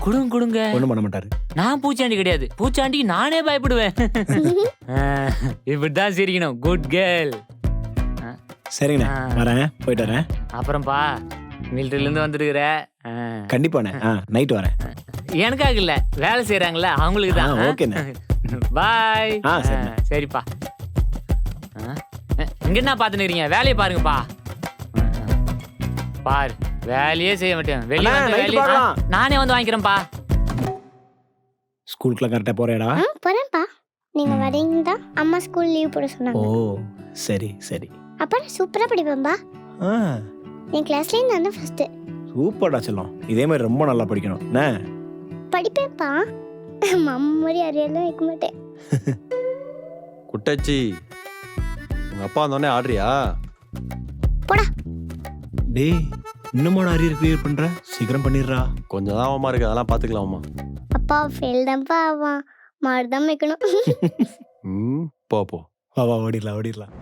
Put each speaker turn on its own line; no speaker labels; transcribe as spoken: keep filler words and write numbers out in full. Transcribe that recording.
குடுங்க குடுங்க.
ஒண்ணும் பண்ண மாட்டாரு.
நான் பூச்சாண்டி கிடையாது, பூச்சாண்டிக்கு நானே பயப்படுவேன். இப்படிதான் சிரிக்கணும். Good girl.
சரிங்கண்ணே, வரேன், போயிட்டு வரேன்.
அப்புறம்ப்பா, மிலிட்டரில இருந்து வந்துருக்குற.
கண்டிப்பாண்ணே, நைட் வரேன்.
எனக்காக இல்ல, வேலை செய்யறாங்கல்ல அவங்களுக்கு தான்.
ஓகேண்ணே,
பாய்.
சரிண்ணே.
சரிப்பா. இங்க என்ன பாத்துன்னு இருக்கீங்க? வேலையை பாருங்கப்பா. பாரு, வேலையே செய்ய மாட்டேன். வெளியே வந்து வேலையை நானே வந்து வாங்கிக்கிறேன்ப்பா.
ஸ்கூலுக்குலாம் கரெக்டா போறேடா?
போறேன்ப்பா. நீங்க வரீங்களா? அம்மா ஸ்கூல் லீவ் போட சொன்னாங்க.
ஓ சரி சரி.
அப்ப சூப்பரா படிப்பேன்பா. என் கிளாஸ்லயே நான் தான் ஃபர்ஸ்ட்.
சூப்பர்டா செல்லம், இதே மாதிரி ரொம்ப நல்லா படிக்கணும். என்ன
படிப்பேன்ப்பா, மம்மரி அரியெல்லாம் வைக்க மாட்டேன்.
குட்டச்சி, உங்க அப்பா வந்தோடனே ஆடுறியா?
போடா.
டேய், இன்னும் அரியர் கிளியர் பண்ற? சீக்கிரம் பண்ணிடுறா.
கொஞ்சம் தான் அவமா இருக்கு, அதெல்லாம் பாத்துக்கலாமா?
அப்பா ஃபெயில் தான்ப்பா ஆவான், மாடு தான் வைக்கணும்.
ம், போ போ.
வா வா, ஓடிடலாம் ஓடிடலாம்.